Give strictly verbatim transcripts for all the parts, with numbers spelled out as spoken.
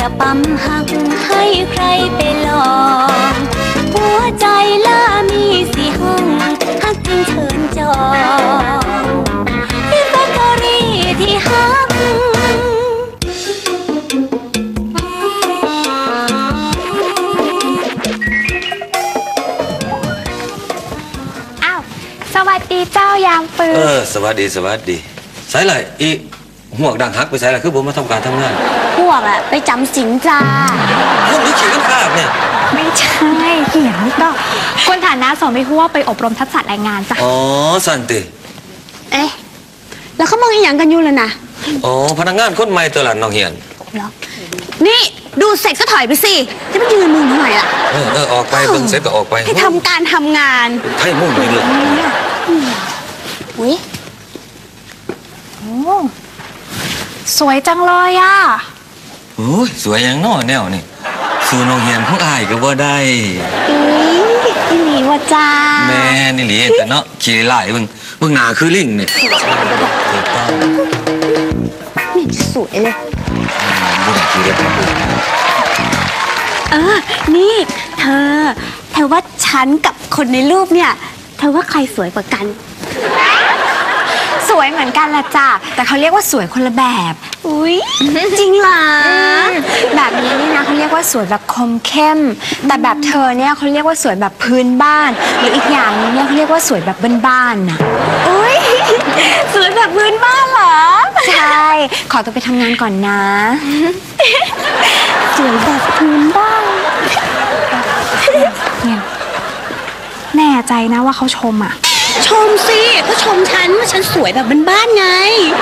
จะปั๊มหักให้ใครไปลองหัวใจล่ามีสีห้องหักจริงเชิญจองพี่แฟคทอรี่ที่หักอ้าวสวัสดีเจ้ายามปืนเออสวัสดีสวัสดีใส่ไรอีหัวดังฮักไปใส่ไรคือผมมาทำการทำงานพวกอะไปจำสินจ้าพวกนี้ขี่กันข้าเนี่ยไม่ใช่เหี่ยวก็คนฐานะสอนไม่หัวไปอบรมทักษะแรงงานจ้ะอ๋อสันติเอ๊ะแล้วเขามองเห็นอย่างกันอยู่เลยนะอ๋อพนักงานคนใหม่ตัวหลานน้องเฮียนเหรอนี่ดูเสร็จก็ถอยไปสิจะไม่ยืนมึงทำไมล่ะเออเออออกไปเบิ่งเสร็จก็ออกไปให้ทำการทำงานไทยมุ่งเลยเลยอุ้ยโอ้สวยจังเลยอ่ะโอ้ยสวยอย่างน้อแนวนี่สู่น้องเฮียนของอายก็บ่ได้อีอีหลีว่าจ้าแม่นี่หลีแต่เนาะขี่ไล่เบิ่งเบิ่งหน้าคือลิงนี่ถูกต้องนี่สวยเลยบ่ได้ขี่ได้ปะเออนี่เธอเธอว่าฉันกับคนในรูปเนี่ยเธอว่าใครสวยกว่ากันสวยเหมือนกันแหละจ้ะแต่เขาเรียกว่าสวยคนละแบบอุ้ยจริงเหรอแบบนี้นี่นะเขาเรียกว่าสวยแบบคมเข้มแต่แบบเธอเนี่ยเขาเรียกว่าสวยแบบพื้นบ้านหรืออีกอย่างนึงเนี่ยเขาเรียกว่าสวยแบบบ้านๆน่ะอุ้ยสวยแบบพื้นบ้านเหรอใช่ขอตัวไปทำงานก่อนนะสวยแบบพื้นบ้านเนี่ยแน่ใจนะว่าเขาชมอ่ะชมสิก็ชมฉันว่าฉันสวยแบบบ้านๆไง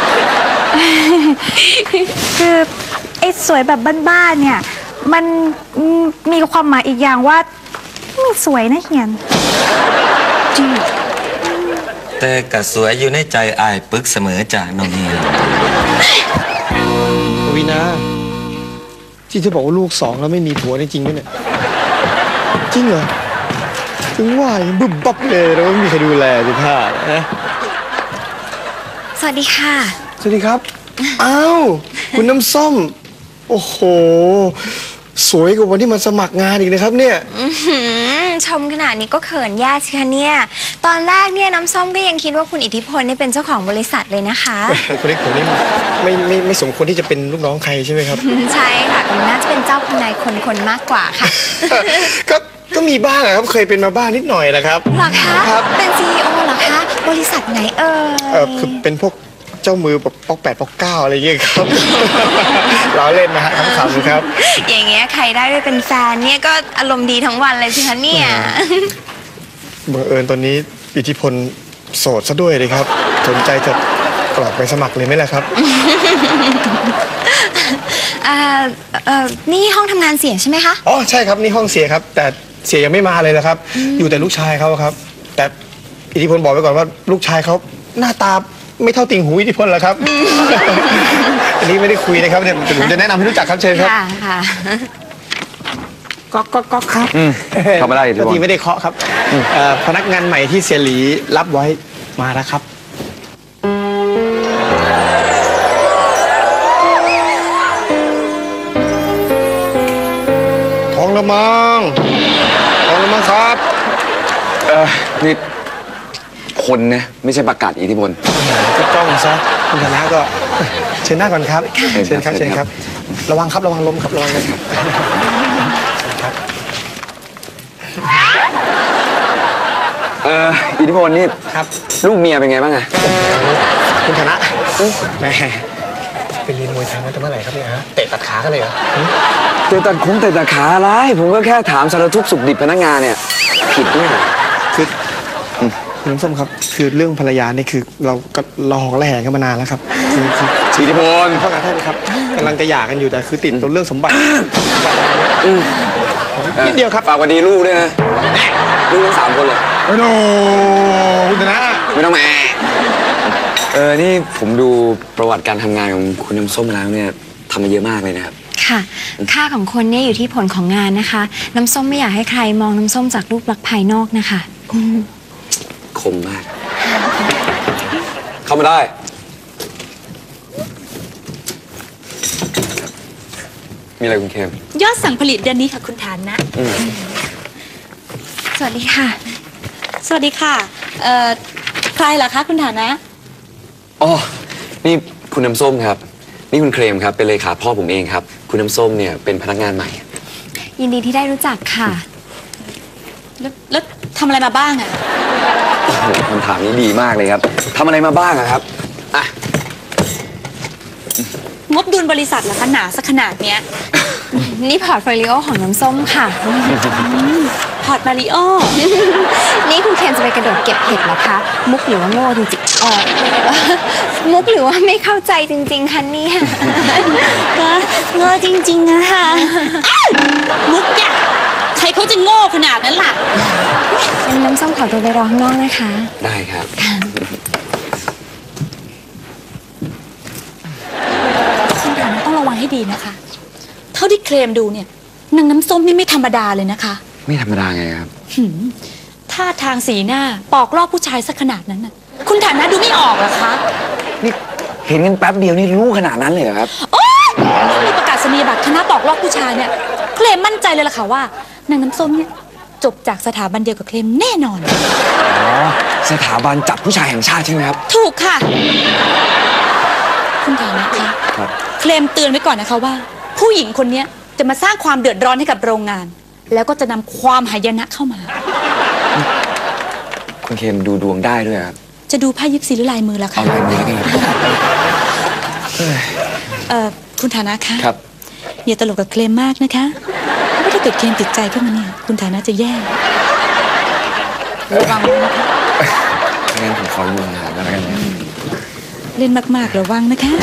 คือไอ้สวยแบบบ้านๆเนี่ยมันมีความหมายอีกอย่างว่าไม่สวยนะเฮียนจริงแต่ก็สวยอยู่ในใจอายปึกเสมอจ้ะน้องเฮียนวินาที่เธอบอกว่าลูกสองแล้วไม่มีผัวจริงไหมเนี่ยจริงเหรอถึงว่ายังบึ้บบับเลยแล้วไม่มีใครดูแลสิท่านะสวัสดีค่ะสวัสดีครับอ้าวคุณน้ำส้มโอ้โหสวยกว่าวันที่มาสมัครงานอีกนะครับเนี่ยชมขนาดนี้ก็เขินแย่สิคะเนี่ยตอนแรกเนี่ยน้ำส้มก็ยังคิดว่าคุณอิทธิพลนี่เป็นเจ้าของบริษัทเลยนะคะคุณเล็กผมนี่ไม่ไม่ไม่สมควรที่จะเป็นลูกน้องใครใช่ไหมครับใช่ค่ะคุณน่าจะเป็นเจ้าคุณนายคนคนมากกว่าค่ะก็ก็มีบ้างครับเคยเป็นมาบ้างนิดหน่อยนะครับหรอคะเป็นซีอีโอเหรอคะบริษัทไหนเอ่ยเออคือเป็นพวกเจ้ามือแบบป๊อกแปดป๊อกเก้าอะไรอย่างเงี้ยครับล้อเล่นนะฮะขำๆครับอย่างเงี้ยใครได้ไปเป็นแฟนเนี่ยก็อารมณ์ดีทั้งวันเลยสิคะเนี่ยบังเอิญตอนนี้อิทธิพลโสดซะด้วยเลยครับสนใจจะกรอกไปสมัครเลยไหมล่ะครับอ่าเอ่อนี่ห้องทำงานเสียใช่ไหมคะอ๋อใช่ครับนี่ห้องเสียครับแต่เสียยังไม่มาเลยนะครับอยู่แต่ลูกชายเขาครับแต่อิทธิพลบอกไว้ก่อนว่าลูกชายเขาหน้าตาไม่เท่าติ่งหูอิทธิพลหรอกครับอันนี้ไม่ได้คุยนะครับเดี๋ยวผมจะแนะนำให้รู้จักครับเชิญครับค่ะก๊อกก๊อกก๊อกครับเข้ามาได้อิทธิพลทีไม่ได้เคาะครับพนักงานใหม่ที่เสียหลีรับไว้มาแล้วครับท้องละมังท้องละมังครับเออนี่คนนะไม่ใช่ประกาศอิทธิพลก็ต้องซะคุณธนาก็เชิญหน้าก่อนครับเชิญครับเชิญครับระวังครับระวังล้มครับระวังเลยครับเอออิทธิพลนี่ครับลูกเมียเป็นไงบ้างอะคุณธนาแม่ไปเรียนมวยไทยมาตั้งเมื่อไหร่ครับเนี่ยฮะเตะตัดขากันเลยเหรอเตะตัดคงเตะตัดขาอะไรผมก็แค่ถามสารทุกข์สุขดิบพนักงานเนี่ยผิดด้วยคือคุณน้ำส้มครับคือเรื่องภรรยานี่คือเราก็รอของระแหงกันมานานแล้วครับคืออิทธิพลพ่อการท่านครับกำลังจะหย่ากันอยู่แต่คือติดตัวเรื่องสมบัตินิดเดียวครับฝากวันดีลูกด้วยนะลูกทั้งสามคนเลยโอ้โหคุณธนาไม่ต้องแม่เออนี่ผมดูประวัติการทำงานของคุณน้ำส้มแล้วเนี่ยทำมาเยอะมากเลยนะครับค่ะค่าของคนเนี่ยอยู่ที่ผลของงานนะคะน้ำส้มไม่อยากให้ใครมองน้ำส้มจากรูปลักษณ์ภายนอกนะคะคมมากเข้ามาได้มีอะไรคุณเคมยอดสั่งผลิตเดือนนี้ค่ะคุณฐานนะอืมสวัสดีค่ะสวัสดีค่ะเอ่อใครเหรอคะคุณฐานนะอ๋อ นี่คุณน้ำส้มครับ นี่คุณเครมครับ เป็นเลขาพ่อผมเองครับ คุณน้ำส้มเนี่ยเป็นพนักงานใหม่ยินดีที่ได้รู้จักค่ะแล้วแล้วทำอะไรมาบ้างอะโอ้โหคำถามนี้ดีมากเลยครับทำอะไรมาบ้างอะครับ อ่ะงบดุลบริษัทเหรอคะหนาสักขนาดเนี้ยนี่พอร์ตโฟลิโอของน้ำส้มค่ะพอร์ตมาริโอนี่คุณเคนจะไปกระโดดเก็บเห็ดเหรอคะ มุกหรือว่าโง่จริงๆอ๋อ มุกหรือว่าไม่เข้าใจจริงๆคะเนี่ยก็โง่จริงๆอะค่ะอ้าวมุกอยากใครเขาจะโง่ขนาดนั้นล่ะงั้นน้ำส้มขอตัวไปรอข้างนอกนะคะได้ครับคุณฐานะต้องระวังให้ดีนะคะ เท่าที่เคลมดูเนี่ยนางน้ำส้มนี่ไม่ธรรมดาเลยนะคะไม่ธรรมดาไงครับหืมท่าทางสีหน้าปอกลอกผู้ชายสักขนาดนั้นน่ะ คุณฐานะดูไม่ออกเหรอคะนี่เห็นกันแป๊บเดียวนี่รู้ขนาดนั้นเลยเหรอครับโอ๊ยมีประกาศนียบัตรคณะปอกลอกผู้ชายเนี่ยเคลมมั่นใจเลยล่ะค่ะว่านางน้ำส้มเนี่ยจบจากสถาบันเดียวกับเคลมแน่นอนอ๋อ สถาบันจับผู้ชายแห่งชาติใช่ไหมครับถูกค่ะ คุณฐานะคะครับเคลมเตือนไว้ก่อนนะคะว่า ผู้หญิงคนเนี้ยจะมาสร้างความเดือดร้อนให้กับโรงงาน แล้วก็จะนำความหายนะเข้ามาคุณเคมดูดวงได้ด้วยครับจะดูไพ่ยิปซีหรือลายมือล่ะคะเอาลายมือแล้วกันครับเอ่อคุณฐานะคะครับอย่าตลกกับเคลมมากนะคะเพราะว่าถ้าเกิดเคลมติดใจขึ้นมาเนี่ยคุณฐานะจะแย่ระวังไว้นะคะงั้นผมขออยู่ห่างๆกันแล้วกันนะเล่นมากๆระวังนะคะ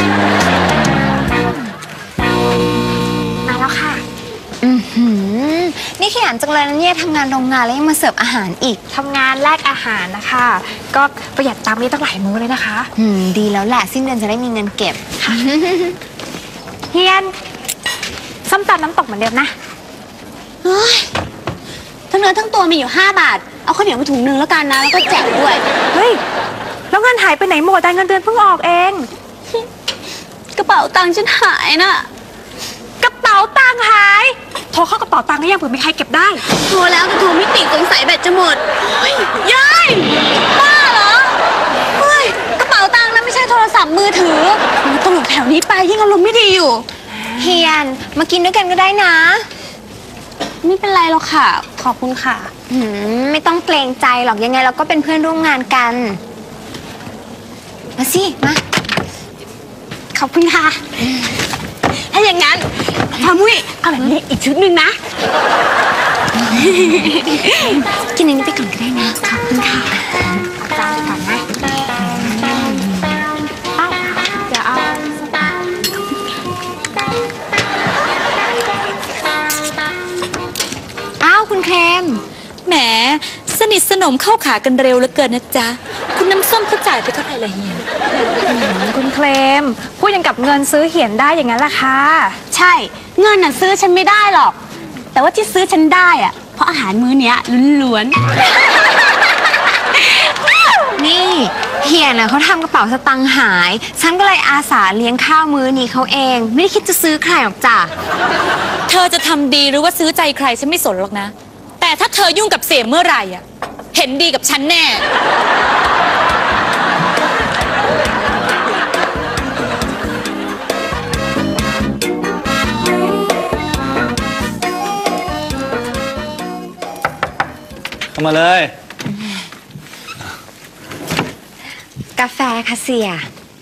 มาแล้วค่ะ อือหือ นี่ขยันจังเลยนะเนี่ยทำงานโรงงานแล้วยังมาเสิร์ฟอาหารอีกทำงานแลกอาหารนะคะ ก็ประหยัดตังค์นี่ตั้งหลายมื้อเลยนะคะอืม ดีแล้วแหละสิ้นเดือนจะได้มีเงินเก็บเฮียนส้มตำน้ำตกเหมือนเดิมนะเฮ้ยทั้งเนื้อทั้งตัวมีอยู่ห้าบาท เอาข้าวเหนียวมาถุงนึงแล้วกันนะ แล้วก็แจกด้วยเฮ้ย แล้วเงินหายไปไหนหมดแต่เงินเดือนเพิ่งออกเองกระเป๋าตังค์ฉันหายน่ะกระเป๋าตังค์หาย โทรเข้ากระเป๋าตังค์ก็ยังเผื่อมีใครเก็บได้โทรแล้วแต่โทรไม่ติดสงสัยแบตจะหมดเฮ้ยยายบ้าเหรอ เฮ้ย กระเป๋าตังค์นั้นไม่ใช่โทรศัพท์มือถือมันต้องหลบแถวนี้ไปยิ่งอารมณ์ไม่ดีอยู่เฮียน มากินด้วยกันก็ได้นะไม่เป็นไรหรอกค่ะ ขอบคุณค่ะหืม ไม่ต้องเกรงใจหรอกยังไงเราก็เป็นเพื่อนร่วมงานกัน มาสิ มาขอบคุณค่ะ ถ้าอย่างนั้นพามุ้ยเอาแบบนี้อีกชุดหนึ่งนะกินอันนี้ไปก่อนก็ได้นะ ขอบคุณค่ะจานก่อนนะเอ้าเดี๋ยวเอาอ้าวคุณเคมแหม สนิทสนมเข้าขากันเร็วเหลือเกินนะจ๊ะ คุณน้ำส้มเขาจ่ายไปเท่าไหร่ละเฮียคุณเคลมพูดยังกับเงินซื้อเหียนได้อย่างนั้นล่ะค่ะใช่ เงินน่ะซื้อฉันไม่ได้หรอก แต่ว่าที่ซื้อฉันได้อะเพราะอาหารมื้อเนี้ยล้วนนี่เฮียน่ะเขาทำกระเป๋าสตังค์หาย ฉันก็เลยอาสาเลี้ยงข้าวมื้อนี้เขาเอง ไม่ได้คิดจะซื้อใครหรอกจ้ะๆ เธอจะทำดีหรือว่าซื้อใจใครฉันไม่สนหรอกนะ แต่ถ้าเธอยุ่งกับเสียเมื่อไหร่อ่ะ เห็นดีกับฉันแน่เข้ามาเลยกาแฟค่ะเสีย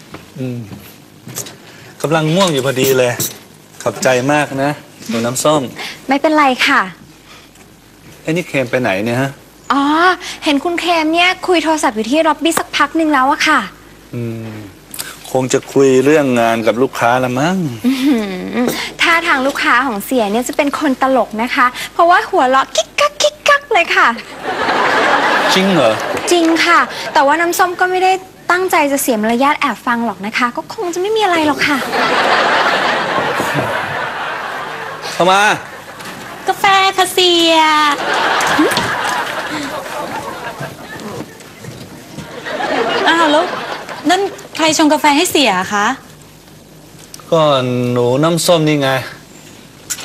กำลังง่วงอยู่พอดีเลย ขอบใจมากนะหนูน้ำส้มไม่เป็นไรค่ะไอ้นี่เคมไปไหนเนี่ยฮะอ๋อ เห็นคุณเคมเนี่ยคุยโทรศัพท์อยู่ที่ล็อบบี้สักพักหนึ่งแล้วอะค่ะอืม คงจะคุยเรื่องงานกับลูกค้าละมั้งอื้อหือถ้าทางลูกค้าของเสียเนี่ยจะเป็นคนตลกนะคะ เพราะว่าหัวเราะกิ๊กกักกิ๊กกักเลยค่ะจริงเหรอจริงค่ะ แต่ว่าน้ำส้มก็ไม่ได้ตั้งใจจะเสียมารยาทแอบฟังหรอกนะคะ ก็คงจะไม่มีอะไรหรอกค่ะเข้ามากาแฟค่ะเสีย อ้าวแล้วนั่นใครชงกาแฟให้เสียคะก็หนูน้ำส้มนี่ไง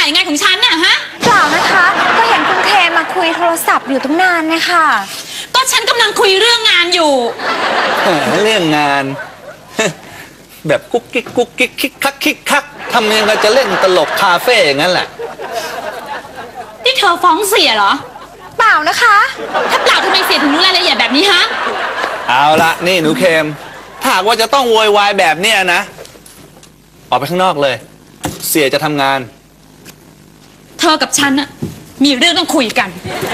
ถ่ายงานของฉันน่ะฮะเปล่านะคะ ก็เห็นคุณเครมมาคุยโทรศัพท์อยู่ตั้งนานเนี่ยค่ะก็ฉันกำลังคุยเรื่องงานอยู่แหมเรื่องงาน แบบกุ๊กกิ๊กกุ๊กกิ๊กคิกคักคิกคักทำยังไงจะเล่นตลกคาเฟ่อย่างนั้นแหละนี่เธอฟ้องเสียเหรอเปล่านะคะถ้าเปล่าทำไมเสียถึงรู้รายละเอียดแบบนี้ฮะเอาละนี่หนูเคมถ้าหากว่าจะต้องโวยวายแบบเนี้ยนะ ออกไปข้างนอกเลย เสียจะทำงานเธอกับฉันน่ะมีเรื่องต้องคุยกัน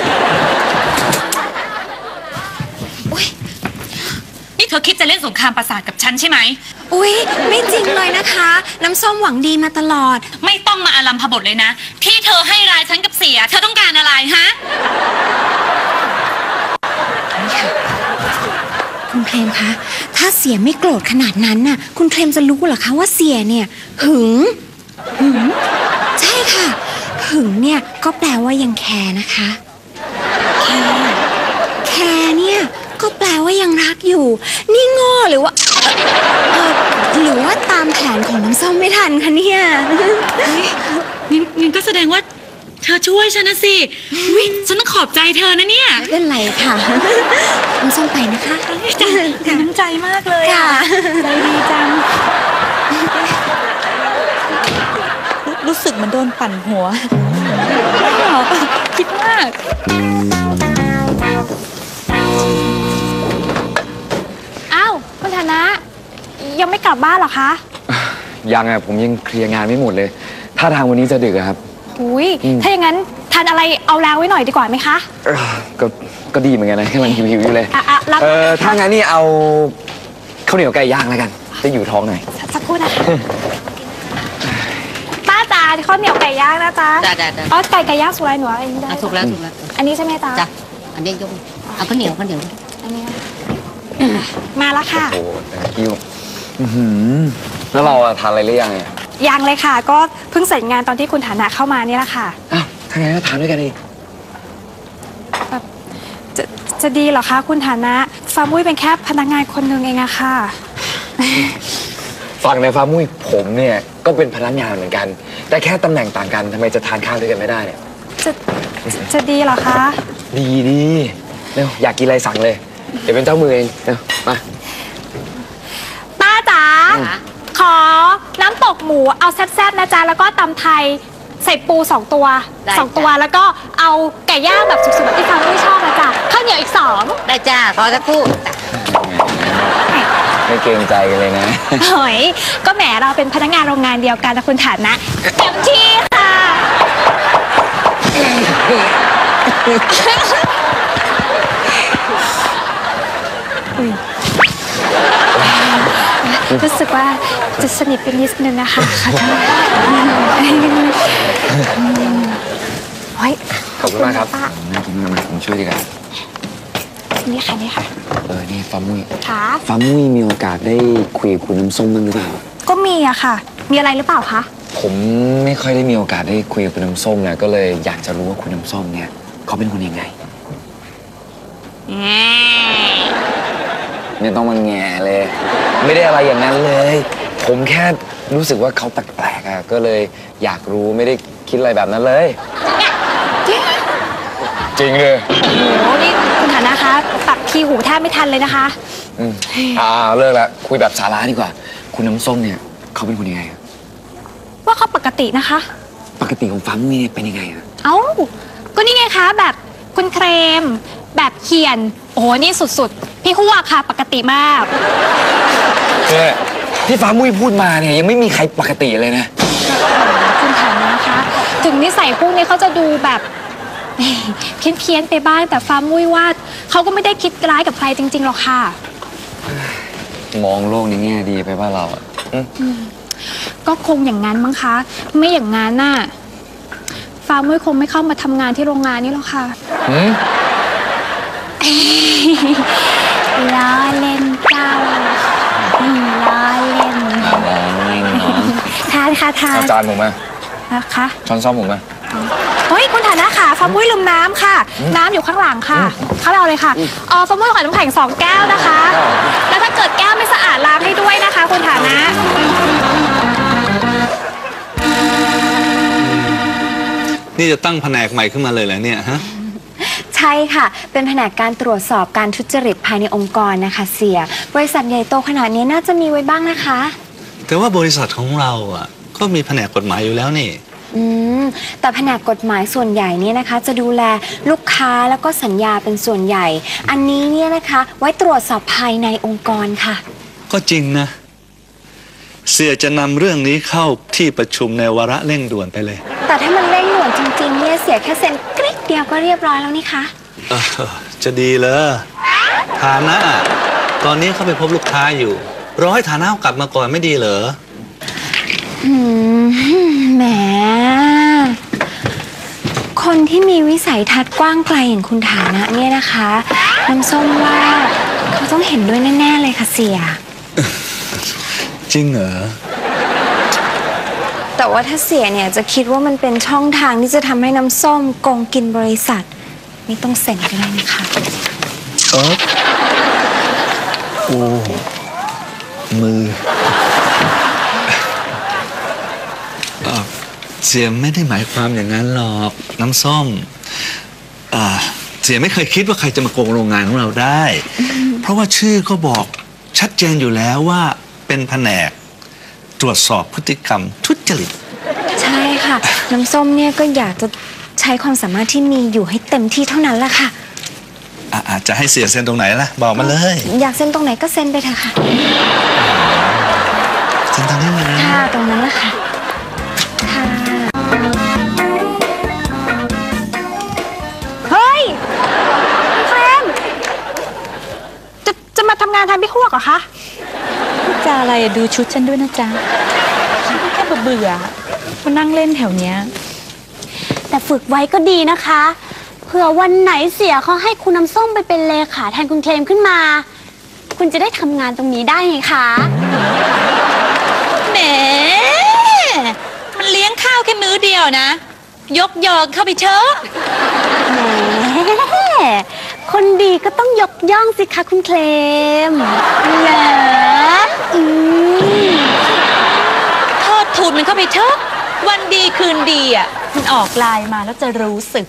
นี่เธอคิดจะเล่นสงครามประสาทกับฉันใช่ไหมอุ๊ย ไม่จริงเลยนะคะ น้ำส้มหวังดีมาตลอดไม่ต้องมาอารัมพบทเลยนะ ที่เธอให้รายฉันกับเสีย เธอต้องการอะไรฮะคุณเคลมคะ ถ้าเสียไม่โกรธขนาดนั้นน่ะ คุณเคลมจะรู้เหรอคะว่าเสียเนี่ย หึง หึง ใช่ค่ะ หึงเนี่ยก็แปลว่ายังแคร์นะคะ แคร์ แคร์เนี่ยก็แปลว่ายังรักอยู่ นี่โง่หรือว่า เออหรือว่าตามแผนของน้ำส้มไม่ทันคะเนี่ยงั้นงั้นก็แสดงว่าเธอช่วยฉันนะสิอุ๊ยฉันต้องขอบใจเธอนะเนี่ยไม่เป็นไรค่ะ น้ำส้มไปนะคะจ้ะน้ำใจมากเลยค่ะใจดีจัง รู้สึกเหมือนโดนปั่นหัวไม่หรอกคิดมากอ้าวคุณธนะ ยังไม่กลับบ้านเหรอคะยังอะผมยังเคลียร์งานไม่หมดเลยถ้าทางวันนี้จะดึกอะครับอุ้ยถ้าอย่างนั้นทานอะไรเอาแรงไว้หน่อยดีกว่าไหมคะเอ้อก็ก็ดีเหมือนกันนะกำลังหิวๆอยู่เลยอ่ะอ่ะรับเออถ้างั้นนี่เอาข้าวเหนียวไก่ย่างแล้วกันจะอยู่ท้องหน่อยสักครู่นะคะป้าจ๋าข้าวเหนียวไก่ย่างนะจ๊ะจ้ะจ้ะจ้ะอ๋อไก่ไก่ย่างสุกไรหนูเอาเองได้อ่ะถูกแล้วถูกแล้วอันนี้ใช่ไหมจ๊ะจ้ะอันนี้ยกเอาข้าวเหนียวข้าวเหนียวอันนี้มาแล้วค่ะโอ้โหคิวอื้อหือแล้วเราอะทานอะไรหรือยังอะยังเลยค่ะ ก็เพิ่งเสร็จงานตอนที่คุณฐานะเข้ามานี่แหละค่ะอ้าวถ้างั้นก็ทานด้วยกันดิจะจะดีเหรอคะคุณฐานะฟาร์มุ้ยเป็นแค่พนักงานคนหนึ่งเองอะค่ะฝั่งในฟาร์มมุ้ยผมเนี่ยก็เป็นพนักงานเหมือนกัน แต่แค่ตำแหน่งต่างกันทำไมจะทานข้าวด้วยกันไม่ได้เนี่ยจะจะจะดีเหรอคะดีดีเร็วอยากกินอะไรสั่งเลย เดี๋ยวเป็นเจ้ามือเองเร็วมาป้าจ๋าขอน้ำตกหมูเอาแซ่บๆนะจ๊ะแล้วก็ตำไทยใส่ปูสองตัวสองตัวแล้วก็เอาไก่ย่างแบบสุกๆแบบที่ฟาร์มุ้ยชอบนะจ๊ะข้าวเหนียวอีกสองได้จ้าขอสักครู่จ้ะไม่เกรงใจกันเลยนะเฮ้ยก็แหมเราเป็นพนักงานโรงงานเดียวกันนะคุณฐานะเต็มที่ค่ะรู้สึกว่าจะสนิทเป็นนิดนึงนะคะขอโทษเฮ้ยขอบคุณมากครับป้าน่ากินมากๆผมช่วยดีกว่านี่ค่ะนี่ค่ะเออนี่ฟาร์มมุ้ยค่ะฟาร์มมุ้ยมีโอกาสได้คุยกับคุณน้ำส้มบ้างหรือเปล่าก็มีอะค่ะ มีอะไรหรือเปล่าคะผมไม่ค่อยได้มีโอกาสได้คุยกับคุณน้ำส้มนะก็เลยอยากจะรู้ว่าคุณน้ำส้มเนี่ยเขาเป็นคนยังไงไม่ต้องมาแง่เลย ไม่ได้อะไรอย่างนั้นเลย ผมแค่รู้สึกว่าเขาแปลกๆอะก็เลยอยากรู้ไม่ได้คิดอะไรแบบนั้นเลย จริงเลยโอ้นี่คุณฐานะคะปักทีหูแทบไม่ทันเลยนะคะอืมอ่าเลิกละคุยแบบสาระดีกว่า คุณน้ำส้มเนี่ยเขาเป็นคนยังไงอะว่าเขาปกตินะคะปกติของฟาร์มมุ้ยเนี่ยเป็นยังไงอะเอ้า ก็นี่ไงคะ แบบคุณเครม แบบเขียน โอ้โหนี่สุดๆ พี่หัวค่ะ ปกติมากเนี่ยที่ฟาร์มมุ้ยพูดมาเนี่ยยังไม่มีใครปกติเลยนะคุณฐานะคะ ถึงนิสัยพวกนี้เขาจะดูแบบเพี้ยนเพียนๆไปบ้างแต่ฟ้ามุ้ยว่าเขาก็ไม่ได้คิดร้ายกับใครจริงๆหรอกค่ะมองโลกในแง่ดีไปว่าเราอะอืมก็คงอย่างนั้นมั้งคะ ไม่อย่างนั้นน่ะฟ้ามุ้ยคงไม่เข้ามาทำงานที่โรงงานนี้หรอกค่ะหืมล้อเล่นเจ้าอืมล้อเล่นอ่ะมองไม่เนาะทานค่ะทานเอาจานผมมานะคะช้อนซ่อมผมมาเฮ้ยคุณฐานะค่ะฟ้ามุ้ยลืมน้ำค่ะ น้ำอยู่ข้างหลังค่ะ เข้าไปเอาเลยค่ะอ๋อฟ้ามุ้ยขอน้ำแข็งสองแก้วนะคะ แล้วถ้าเกิดแก้วไม่สะอาดล้างให้ด้วยนะคะ คุณฐานะนี่จะตั้งแผนกใหม่ขึ้นมาเลยเหรอเนี่ยฮะใช่ค่ะ เป็นแผนกการตรวจสอบการทุจริตภายในองค์กรนะคะเสียบริษัทใหญ่โตขนาดนี้น่าจะมีไว้บ้างนะคะแต่ว่าบริษัทของเราอ่ะก็มีแผนกกฎหมายอยู่แล้วนี่อืมแต่แผนกกฎหมายส่วนใหญ่เนี่ยนะคะ จะดูแลลูกค้าแล้วก็สัญญาเป็นส่วนใหญ่ อันนี้เนี่ยนะคะไว้ตรวจสอบภายในองค์กรค่ะก็จริงนะ เสียจะนำเรื่องนี้เข้าที่ประชุมในวาระเร่งด่วนไปเลยแต่ถ้ามันเร่งด่วนจริงๆเนี่ยเสียแค่เซ็นกริ๊กเดียวก็เรียบร้อยแล้วนี่คะเออจะดีเลยฐานะตอนนี้เขาไปพบลูกค้าอยู่รอให้ฐานะเขากลับมาก่อนไม่ดีเหรออืมแหมคนที่มีวิสัยทัศน์กว้างไกลอย่างคุณฐานะเนี่ยนะคะน้ำส้มว่าเขาต้องเห็นด้วยแน่ๆเลยค่ะเสียจริงเหรอแต่ว่าถ้าเสียเนี่ยจะคิดว่ามันเป็นช่องทางที่จะทำให้น้ำส้มโกงกินบริษัทไม่ต้องเซ็นก็ได้นะคะเออโอ้มือเอ่อเสียไม่ได้หมายความอย่างนั้นหรอกน้ำส้มอ่าเสียไม่เคยคิดว่าใครจะมาโกงโรงงานของเราได้ เพราะว่าชื่อก็บอกชัดเจนอยู่แล้วว่าเป็นแผนกตรวจสอบพฤติกรรมทุจริตใช่ค่ะ น้ำส้มเนี่ยก็อยากจะใช้ความสามารถที่มีอยู่ให้เต็มที่เท่านั้นแหละค่ะอ่ะอาจจะให้เสียเซ็นตรงไหนล่ะบอกมาเลยอยากเซ็นตรงไหนก็เซ็นไปเถอะค่ะเซ็นตรงนี้เลยค่ะตรงนั้นแหละค่ะค่ะเฮ้ยเฟรมจะจะมาทำงานแทนพี่ฮวกเหรอคะจะอะไรอะดูชุดฉันด้วยนะจ๊ะฉันก็แค่เบื่อๆมานั่งเล่นแถวเนี้ยแต่ฝึกไว้ก็ดีนะคะเผื่อวันไหนเสียเขาให้คุณน้ำส้มไปเป็นเลขาแทนคุณเคลมขึ้นมา คุณจะได้ทำงานตรงนี้ได้ไงคะแหมมันเลี้ยงข้าวแค่มื้อเดียวนะ ยกยองเข้าไปเชอะแหมคนดีก็ต้องยกย่องสิคะคุณเคลมเหรออืมโทษทูนมันเข้าไปเชอะวันดีคืนดีอ่ะมันออกไลน์มาแล้วจะรู้สึก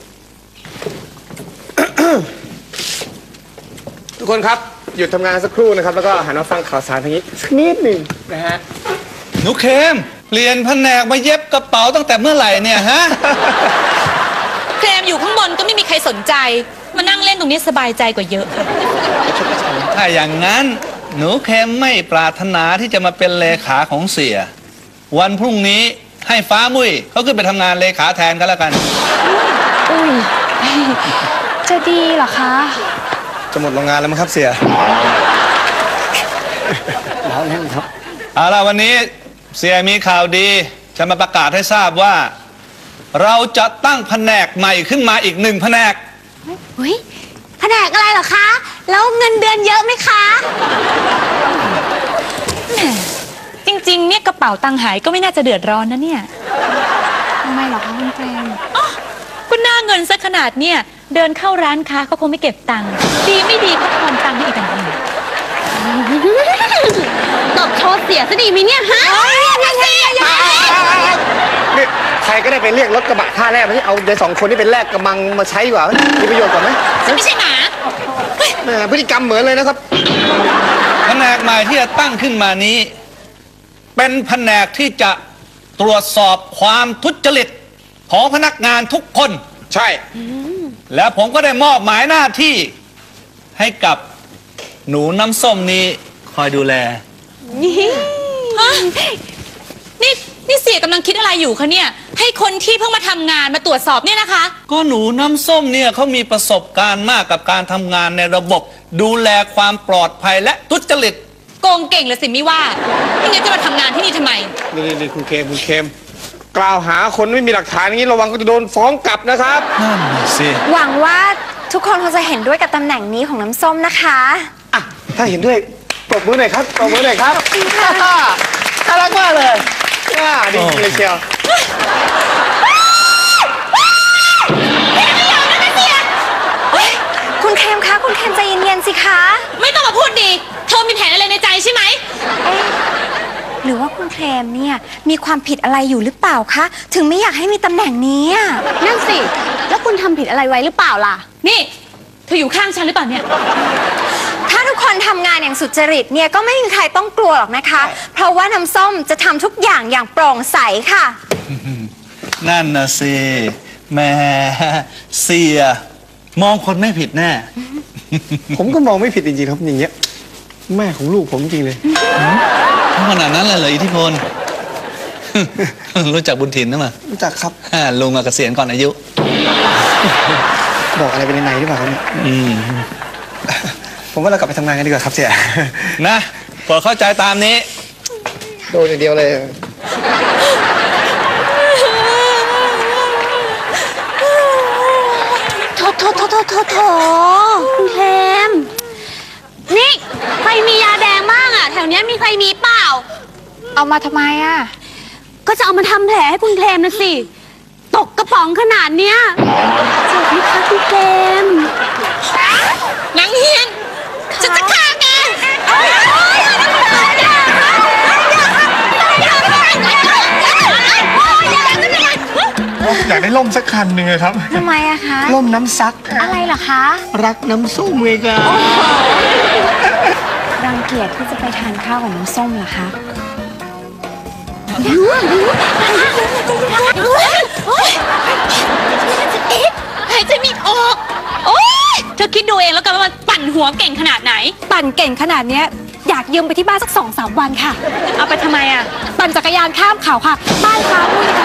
ทุกคนครับหยุดทำงานสักครู่นะครับแล้วก็หันมาฟังข่าวสารทางนี้สักนิดหนึ่งนะฮะหนูเคมเปลี่ยนแผนกมาเย็บกระเป๋าตั้งแต่เมื่อไหร่เนี่ยฮะเคลมอยู่ข้างบนก็ไม่มีใครสนใจ มานั่งเล่นตรงนี้สบายใจกว่าเยอะค่ะถ้าอย่างนั้นหนูเคมไม่ปรารถนาที่จะมาเป็นเลขาของเสีย วันพรุ่งนี้ให้ฟ้ามุ้ยเขาขึ้นไปทำงานเลขาแทนกันแล้วกันอุ้ยจะดีเหรอคะจะหมดโรงงานแล้วมั้งครับเสียแล้วแน่ครับเอาล่ะวันนี้เสียมีข่าวดีจะมาประกาศให้ทราบว่า เราจะตั้งแผนกใหม่ขึ้นมาอีกหนึ่งแผนกอุ้ยแผนกอะไรเหรอคะ แล้วเงินเดือนเยอะไหมคะจริงๆเนี่ยกระเป๋าตังค์หายก็ไม่น่าจะเดือดร้อนนะเนี่ยทำไมเหรอคะคุณเฟรมอ๋อก็น่าเงินซะขนาดเนี่ยเดินเข้าร้านค้าเขาคงไม่เก็บตังค์ดีไม่ดีก็ทอนตังค์ให้อีกต่างหากตบโชว์เสียซะดีไหมเนี่ยฮะยังไงยังไงนี่ใครก็ได้ไปเรียกรถกระบะท่าแรกมาที่เอาในสองคนนี้เป็นแรกกระมังมาใช้ดีกว่ามีประโยชน์กว่าไหมฉันไม่ใช่หมาแหมพฤติกรรมเหมือนเลยนะครับแผนกใหม่ที่จะตั้งขึ้นมานี้ เป็นแผนกที่จะตรวจสอบความทุจริตของพนักงานทุกคนใช่แล้วผมก็ได้มอบหมายหน้าที่ให้กับหนูน้ำส้มนี้คอยดูแลฮะนี่นี่เสียกำลังคิดอะไรอยู่คะเนี่ยให้คนที่เพิ่งมาทำงานมาตรวจสอบเนี่ยนะคะก็หนูน้ำส้มเนี่ยเขามีประสบการณ์มากกับการทำงานในระบบ ดูแลความปลอดภัยและทุจริตโกงเก่งเลยสิไม่ว่าไม่งั้นจะมาทำงานที่นี่ทำไมนี่นี่คุณเคมคุณเคมกล่าวหาคนไม่มีหลักฐานอย่างนี้ระวังก็จะโดนฟ้องกลับนะครับนั่นน่ะสิหวังว่าทุกคนคงจะเห็นด้วยกับตำแหน่งนี้ของน้ำส้มนะคะอ่ะถ้าเห็นด้วยปรบมือหน่อยครับปรบมือหน่อยครับขอบคุณค่ะน่ารักมากเลยอ่าดีจริงเลยเชียวคุณเคมคะคุณเคมใจเย็นๆสิคะไม่ต้องมาพูดดีเธอมีแผนอะไรในใจใช่ไหมหรือว่าคุณเคลมเนี่ยมีความผิดอะไรอยู่หรือเปล่าคะถึงไม่อยากให้มีตำแหน่งนี้อะนั่นสิ แล้วคุณทำผิดอะไรไว้หรือเปล่าล่ะนี่เธออยู่ข้างฉันหรือเปล่าเนี่ยถ้าทุกคนทำงานอย่างสุจริตเนี่ยก็ไม่มีใครต้องกลัวหรอกนะคะ เพราะว่าน้ำส้มจะทำทุกอย่างอย่างโปร่งใสค่ะนั่นนะสิแหม่เสีย มองคนไม่ผิดแน่ผมก็มองไม่ผิดจริงๆครับอย่างเงี้ยแม่ของลูกผมจริงเลยเพราะขนาดนั้นเลยเหรออิทธิพล รู้จักบุญถิ่นนะมั้ยรู้จักครับอ่าลุงอะเกษียณก่อนอายุบอกอะไรไปในในหรือเปล่าครับเนี่ยอืมผมว่าเรากลับไปทำงานกันดีกว่าครับเสียนะโปรดเข้าใจตามนี้โดนอย่างเดียวเลยโถโถโถโถโถโถคุณเคมนี่ใครมียาแดงบ้างอ่ะ แถวเนี้ยมีใครมีเปล่าเอามาทำไมอ่ะก็จะเอามาทำแผลให้คุณเคมนะสิ ตกกระป๋องขนาดเนี้ยเจ็บไหมคะคุณเคมนางเฮียนฉันจะฆ่าแกอยากได้ล่มสักคันหนึ่งเลยครับทำไมอะคะล่มน้ำซักอะไรเหรอคะรักน้ำส้มเวการังเกียจที่จะไปทานข้าวกับน้ำส้มเหรอคะหายใจไม่ออก โอ๊ยเธอคิดดูเองแล้วกันว่ามันปั่นหัวเก่งขนาดไหนปั่นเก่งขนาดเนี้ยอยากยืมไปที่บ้านสักสองสามวันค่ะเอาไปทำไมอ่ะปั่นจักรยานข้ามเขาค่ะ บ้านเขาเนี่ย